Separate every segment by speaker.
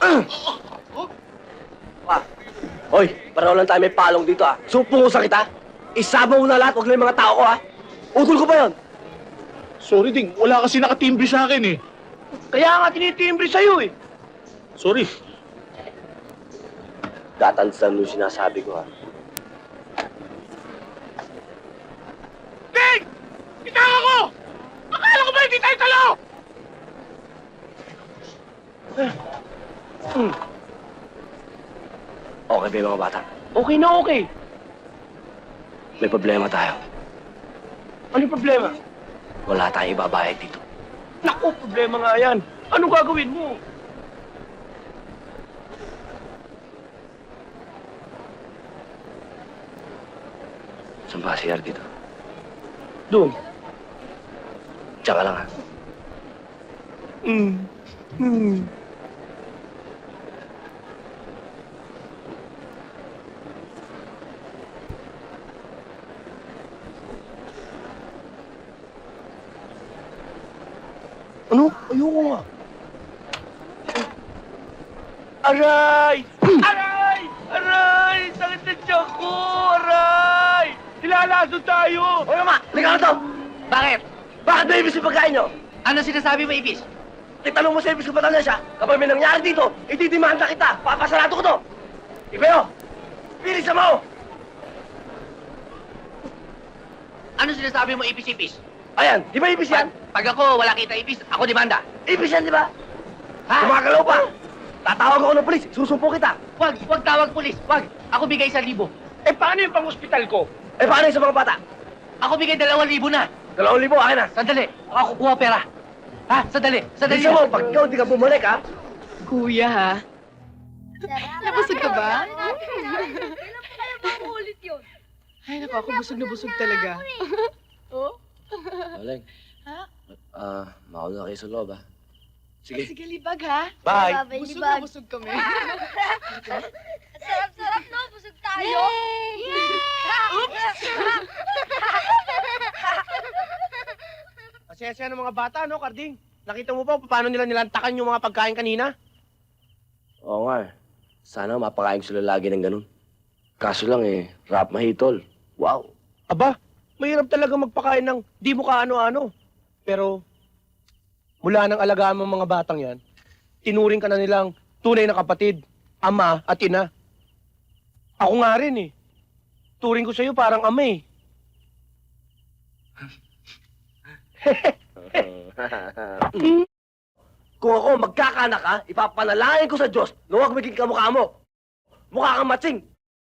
Speaker 1: Pa, hoy, pareho lang tayo may palong dito ah. Supungusan kita. Isama mo na lahat, huwag lang yung mga tao ko ah. Utol ko pa yun.
Speaker 2: Sorry, Ding. Wala kasi nakatimbre sa akin eh.
Speaker 1: Kaya nga tinitimbre sa'yo eh.
Speaker 2: Sorry.
Speaker 1: Tatandaan mo yung sinasabi ko ha.
Speaker 2: Ding! Itaka ko! Akala ko ba hindi tayo talo?
Speaker 1: Okay ba yung mga bata?
Speaker 3: Okay na okay.
Speaker 1: May problema tayo.
Speaker 3: Ano yung problema?
Speaker 1: Wala tayong ibabayad dito.
Speaker 3: Naku, problema nga yan. Anong gagawin mo?
Speaker 1: Saan ba si dito?
Speaker 3: Doon.
Speaker 1: Tsaka lang ha.
Speaker 3: Ano? Ayoko nga. Aray! Aray! Aray! Sakit na tiyan ko! Aray! Hilalaso tayo!
Speaker 1: Hoy mama! Liga na to!
Speaker 4: Bakit?
Speaker 1: Bakit ba ibis yung pagkain nyo?
Speaker 4: Ano sinasabi mo, Ibis?
Speaker 1: Itanong mo sa ibis ko ba talaga siya? Kapag may nangyari dito, itidimanda kita! Papasarado ko to! Ipayo! Pilisan mo!
Speaker 4: Ano sinasabi mo, Ibis?
Speaker 1: Ayan, di ba ibis yan?
Speaker 4: Pag ako wala kita, Ibis, ako demanda.
Speaker 1: Ibis yan, di ba?
Speaker 4: Ha?
Speaker 1: Gumagalaw pa! Tatawag ako ng polis, susumpo kita!
Speaker 4: Wag tawag pulis. Wag. Ako bigay 1,000.
Speaker 3: Eh, paano yung pang-hospital ko?
Speaker 1: Eh, paano yung sa mga bata?
Speaker 4: Ako bigay 2,000 na.
Speaker 1: 2,000, akin na!
Speaker 4: Sandali. Ako kukuha pera. Ha? Sandali. Sandali.
Speaker 1: Bilisan mo, pag ikaw di ka bumalik, ha?
Speaker 5: Kuya, ha? Nabusog ka ba?
Speaker 6: Kailan pa kaya makulit yun?
Speaker 5: Ay, naku, ako busog na busog talaga. Oh?
Speaker 1: Maleng.
Speaker 5: Ha?
Speaker 1: Mauna kayo sa loob, ha? Sige.
Speaker 5: Sige, libag, ha?
Speaker 3: Bye!
Speaker 5: Busog na busog kami.
Speaker 6: Sarap-sarap, no? Busog tayo.
Speaker 3: Asya-asya ng mga bata, no, Karding? Nakita mo ba paano nila nilantakan yung mga pagkain kanina?
Speaker 1: Oo nga, eh. Sana mapakain ko sila lagi ng ganun. Kaso lang, rap mahitol. Wow!
Speaker 3: Aba, mahirap talaga magpakain ng di mo kaano-ano. Pero, mula nang alagaan mo mga batang yan, tinuring ka na nilang tunay na kapatid, ama at ina. Ako nga rin eh. Turing ko sa'yo parang ama eh.
Speaker 1: Kung ako magkakanak ka, ipapanalangin ko sa Diyos na huwag maging kamukha mo. Mukha kang matsing.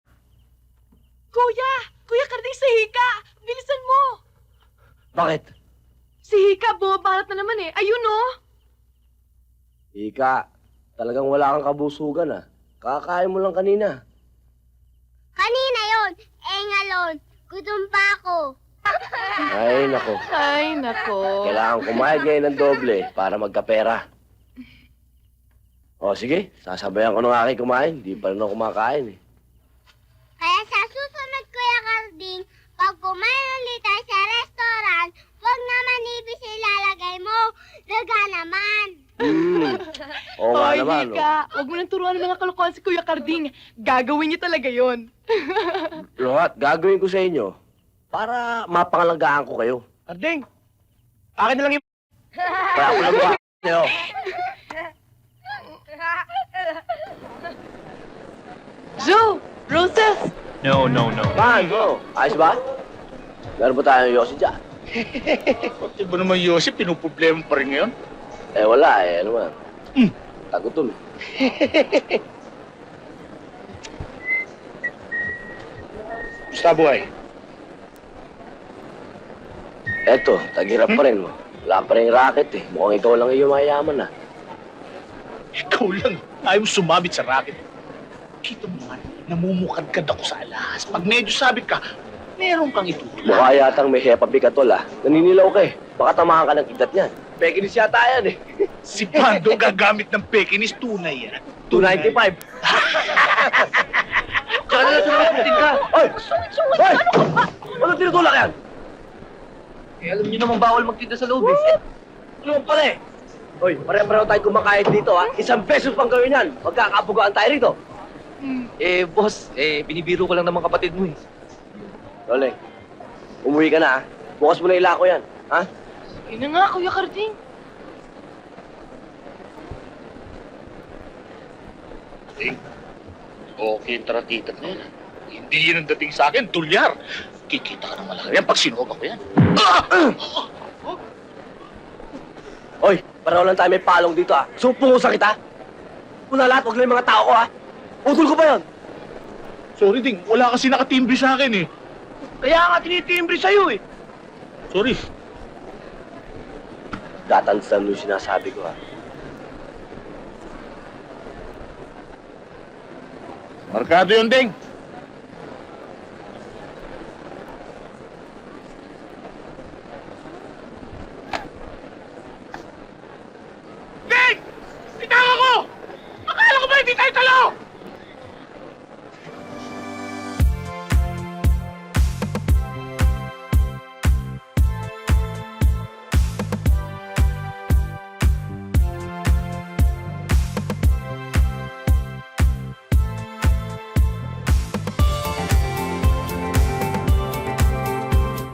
Speaker 5: Kuya! Kuya Karding, si Hika! Bilisan mo!
Speaker 1: Bakit?
Speaker 5: Si Hika, bumabarat na naman eh. Ayun, oh!
Speaker 1: Ika, talagang wala kang kabusugan, ah. Kakain mo lang kanina.
Speaker 6: Kanina yon, ngalon. Gutom pa ako.
Speaker 1: Ay, nako.
Speaker 5: Ay, nako.
Speaker 1: Kailangan kumain ngayon ng doble para magkapera. O, sige. Sasabayan ko ng aking kumain. Di pa rin ako kumakain, eh.
Speaker 6: Kaya sa susunod, Kuya Karding, pag kumain ulit tayo sa restaurant, huwag naman ibis ilalagay mo. Daga naman.
Speaker 1: Oo nga
Speaker 5: Hoy,
Speaker 1: naman,
Speaker 5: Hika! Huwag mo nang turuan ng mga kalokohan si Kuya Karding. Gagawin niya talaga yon.
Speaker 1: Lahat, gagawin ko sa inyo para mapangalagaan ko kayo.
Speaker 3: Karding, akin na lang yung...
Speaker 1: Kaya ako lang ba kayo.
Speaker 5: Joe! Roses!
Speaker 2: No.
Speaker 1: Man, bro. Ayos ba? Meron ba tayong yosi dyan?
Speaker 2: Pati ba naman, Yosef, pinuproblema pa rin ngayon?
Speaker 1: Eh, wala eh. Ano man? Tagutom eh.
Speaker 2: Gusta buhay?
Speaker 1: Eto, tagirap pa rin mo. Wala pa rin racket eh. Mukhang ikaw lang yung mayaman ah.
Speaker 2: Ikaw lang. Ayaw mo sumabit sa racket. Kita mo naman, namumukadkad ako sa alas. Pag medyo sabit ka, meron kang itutulak.
Speaker 1: Mukha yatang may hepa bigatol ah. Naninilaw ka eh. Baka tamahan ka ng kidat niyan. Pekinis yata yan eh.
Speaker 2: Si Pando gagamit ng pekinis, tunay yan.
Speaker 1: 295.
Speaker 4: Tsaka na lang sumakutin ka.
Speaker 1: Oy! Oy! Ano tinutulak yan?
Speaker 4: Eh, alam niyo naman bawal magtinda sa loob eh.
Speaker 1: Ano pala eh? Hoy, pare-pareho tayo kumakayod dito ha. 1 pesos pang gawin yan. Magkakabugaan tayo rito.
Speaker 4: Boss, binibiro ko lang ng mga kapatid mo eh.
Speaker 1: Lole, umuwi ka na ha. Bukas mo na ilako yan. Ha?
Speaker 5: Yun na nga, Kuya Carding.
Speaker 2: Okay, tara-tita na yan. Hindi yan ang dating sa akin, tulyar. Kikita ka ng malaki yan pag sinuwag ako yan.
Speaker 1: Hoy, pareho lang tayo may palong dito ha. Supungusan kita. Una lahat, huwag lang yung mga tao ko ha. Utol ko ba yun?
Speaker 2: Sorry, Ding. Wala kasi nakatimbre sa akin eh.
Speaker 3: Kaya nga tinitimbre sa'yo eh.
Speaker 2: Sorry.
Speaker 1: Tatandaan mo yung sinasabi ko ha.
Speaker 2: Markado yun, Ding.